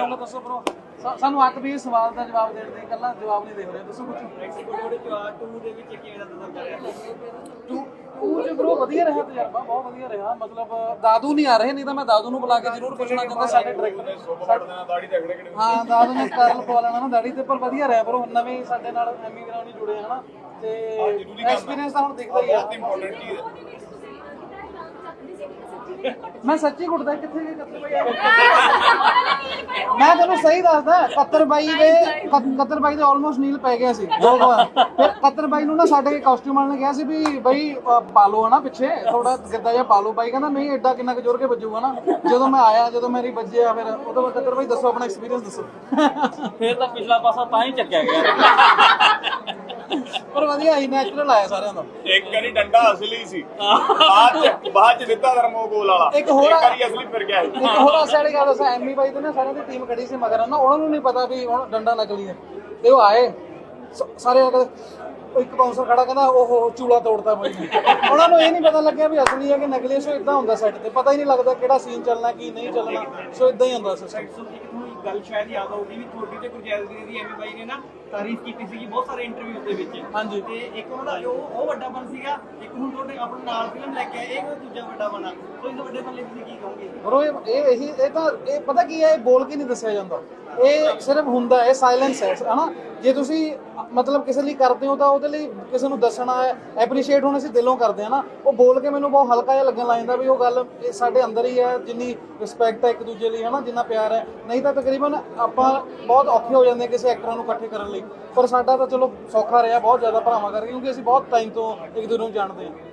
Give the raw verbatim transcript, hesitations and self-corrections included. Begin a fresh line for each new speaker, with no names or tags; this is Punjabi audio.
ਚਾਹੂੰਗਾ, ਦੱਸੋ ਬ్రో। ਸਾਨੂੰ ਅੱਕ ਵੀ ਸਵਾਲ ਦਾ ਜਵਾਬ ਦੇਣ ਦੇ, ਇਕੱਲਾ ਜਵਾਬ ਨਹੀਂ ਦੇਖ ਰਹੇ, ਦੱਸੋ ਕੁਝ।
ਟੂ ਦੇ ਵਿੱਚ ਕਿਵੇਂ ਦਾ ਤਜਰਬਾ ਰਿਹਾ?
ਟੂ ਟੂ ਚ ਬ్రో ਵਧੀਆ ਰਿਹਾ ਤਜਰਬਾ, ਬਹੁਤ ਵਧੀਆ ਰਿਹਾ। ਮਤਲਬ ਦਾਦੂ ਨਹੀਂ ਆ ਰਹੇ, ਨਹੀਂ ਤਾਂ ਮੈਂ ਦਾਦੂ ਨੂੰ ਬੁਲਾ ਕੇ ਜ਼ਰੂਰ ਪੁੱਛਣਾ ਚਾਹੁੰਦਾ ਸਾਡੇ ਡਾਇਰੈਕਟਰ। ਹਾਂ ਦਾਦੂ ਨੇ ਕਰਲ ਪਵਾ ਲੈਣਾ ਨਾ ਦਾੜੀ ਤੇ, ਪਰ ਵਧੀਆ ਰਿਹਾ ਬ్రో। ਨਵੇਂ ਸਾਡੇ ਨਾਲ ਐਮੀ ਗਰਾਉਂਡ ਨਹੀਂ ਜੁੜੇ ਹਨਾ, ਤੇ ਐਕਸਪੀਰੀਅੰਸ ਤਾਂ ਹੁਣ ਦਿਖਦਾ ਹੀ ਆ। ਮੈਂ ਸੱਚੀ ਕੁੱਟਦਾ, ਕਿੱਥੇ ਗਏ ਕੱਤਰ ਬਾਈ? ਮੈਂ ਤੈਨੂੰ ਸਹੀ ਦੱਸਦਾ, ਕੱਤਰ ਬਾਈ ਦੇ ਕੱਤਰ ਬਾਈ ਦੇ ਆਲਮੋਸਟ ਨੀਲ ਪੈ ਗਿਆ ਸੀ ਦੋ ਵਾਰ। ਫਿਰ ਕੱਤਰ ਬਾਈ ਨੂੰ ਨਾ ਸਾਡੇ ਕਾਸਟਿਊਮ ਵਾਲੇ ਨੇ ਕਿਹਾ ਸੀ ਵੀ ਬਈ ਪਾ ਲਓ ਹਨਾ ਪਿੱਛੇ ਥੋੜਾ ਗਿੱਧਾ ਜਿਹਾ ਪਾ ਲਓ। ਬਾਈ ਕਹਿੰਦਾ ਨਹੀਂ ਐਡਾ ਕਿੰਨਾ ਕੁ ਜ਼ੋਰ ਕੇ ਵੱਜੂਗਾ ਨਾ। ਜਦੋਂ ਮੈਂ ਆਇਆ, ਜਦੋਂ ਮੇਰੀ ਵੱਜਿਆ, ਫਿਰ ਉਹਦੇ ਬਾਅਦ ਕੱਤਰ ਬਾਈ ਦੱਸੋ ਆਪਣਾ ਐਕਸਪੀਰੀਅੰਸ ਦੱਸੋ।
ਫਿਰ ਤਾਂ ਪਿਛਲਾ ਪਾਸਾ ਤਾਂ ਹੀ ਚੱਕਿਆ ਗਿਆ।
ਪਰ ਵਧੀਆ ਹੀ ਨੈਚੁਰਲ ਆਇਆ ਸਾਰਿਆਂ ਦਾ।
ਇੱਕ ਵਾਰੀ ਡੰਡਾ ਅਸਲੀ ਸੀ, ਬਾਅਦ ਚ ਬਾਅਦ ਚ ਦਿੱਤਾ ਧਰਮੋਗੋਲ ਵਾਲਾ।
ਇੱਕ ਹੋਰ
ਵਾਰੀ ਅਸਲੀ ਫਿਰ ਗਿਆ।
ਇੱਕ ਹੋਰ ਅਸਾਂ ਵਾਲੀ ਗੱਲ ਦੱਸਾਂ, ਐਮੀ ਬਾਈ ਤੇ ਨਾ ਸਾਰਿਆਂ ਦੀ ਟੀਮ ਖੜੀ ਸੀ ਮਗਰ ਨਾ, ਉਹਨਾਂ ਨੂੰ ਨਹੀਂ ਪਤਾ ਵੀ ਹੁਣ ਡੰਡਾ ਨਕਲੀ ਹੈ। ਤੇ ਉਹ ਆਏ ਸਾਰੇ, ਇੱਕ ਬਾਉਂਸਰ ਖੜਾ ਕਹਿੰਦਾ ਉਹ ਚੂਲਾ ਤੋੜਤਾ ਬਾਈ ਨੇ। ਉਹਨਾਂ ਨੂੰ ਇਹ ਨਹੀਂ ਪਤਾ ਲੱਗਿਆ ਵੀ ਅਸਲੀ ਹੈ ਕਿ ਨਕਲੀ। ਸੋ ਇਦਾਂ ਹੁੰਦਾ ਸੈੱਟ ਤੇ, ਪਤਾ ਹੀ ਨਹੀਂ ਲੱਗਦਾ ਕਿਹੜਾ ਸੀਨ ਚੱਲਣਾ ਕੀ ਨਹੀਂ ਚੱਲਣਾ। ਸੋ ਇਦਾਂ ਹੀ ਹੁੰਦਾ ਸਿਸਟਮ।
ਗੱਲ ਸ਼ਾਇਦ ਯਾਦ ਆਊਗੀ ਵੀ ਤੁਹਾਡੀ ਤੇ ਗੁਰਜੈਲ ਵੀਰੇ ਦੀ ਐਮੀ ਬਾਈ ਨੇ ਨਾ ਤਾਰੀਫ ਕੀਤੀ ਸੀਗੀ ਬਹੁਤ ਸਾਰੇ ਇੰਟਰਵਿਊ ਦੇ ਵਿੱਚ।
ਹਾਂਜੀ।
ਤੇ ਇੱਕ ਉਹਦਾ ਜੋ ਉਹ ਵੱਡਾ ਬਣ ਸੀਗਾ, ਇੱਕ ਹੁਣ ਤੁਹਾਡੇ ਆਪਣੇ ਨਾਲ ਫਿਲਮ ਲੈ ਕੇ ਆਏ, ਇਹ ਕੋਈ ਦੂਜਾ ਵੱਡਾ ਬਣਾ। ਸੋ ਇਸ ਵੱਡੇ ਬਣ ਲਈ ਤੁਸੀਂ ਕੀ ਕਹੋਗੇ?
ਬਰੋ ਇਹ ਇਹ ਇਹੀ ਇਹ ਤਾਂ ਇਹ ਪਤਾ ਕੀ ਹੈ, ਇਹ ਬੋਲ ਕੇ ਨਹੀਂ ਦੱਸਿਆ ਜਾਂਦਾ, ਇਹ ਸਿਰਫ ਹੁੰਦਾ ਹੈ, ਸਾਇਲੈਂਸ ਹੈ ਹਨਾ। ਜੇ ਤੁਸੀਂ ਮਤਲਬ ਕਿਸੇ ਲਈ ਕਰਦੇ ਹੋ ਤਾਂ ਉਹਦੇ ਲਈ ਕਿਸੇ ਨੂੰ ਦੱਸਣਾ ਹੈ, ਐਪਰੀਸ਼ੀਏਟ ਹੁਣ ਅਸੀਂ ਦਿਲੋਂ ਕਰਦੇ ਹਾਂ ਨਾ। ਉਹ ਬੋਲ ਕੇ ਮੈਨੂੰ ਬਹੁਤ ਹਲਕਾ ਜਿਹਾ ਲੱਗਣ ਲੱਗ ਜਾਂਦਾ ਵੀ ਉਹ ਗੱਲ ਇਹ ਸਾਡੇ ਅੰਦਰ ਹੀ ਹੈ, ਜਿੰਨੀ ਰਿਸਪੈਕਟ ਹੈ ਇੱਕ ਦੂਜੇ ਲਈ ਹਨਾ, ਜਿੰਨਾ ਪਿਆਰ ਹੈ। ਨਹੀਂ ਤਾਂ ਤਕਰੀਬਨ ਆਪਾਂ ਬਹੁਤ ਔਖੇ ਹੋ ਜਾਂਦੇ ਕਿਸੇ ਐਕਟਰਾਂ ਨੂੰ ਇਕੱਠੇ ਕਰਨ ਲਈ। ਪਰ ਸਾਡਾ ਤਾਂ ਚਲੋ ਸੌਖਾ ਰਿਹਾ ਬਹੁਤ ਜ਼ਿਆਦਾ ਭਰਾਵਾਂ ਕਰਕੇ, ਕਿਉਂਕਿ ਅਸੀਂ ਬਹੁਤ ਟਾਈਮ ਤੋਂ ਇੱਕ ਦੂਜੇ ਨੂੰ ਜਾਣਦੇ ਹਾਂ।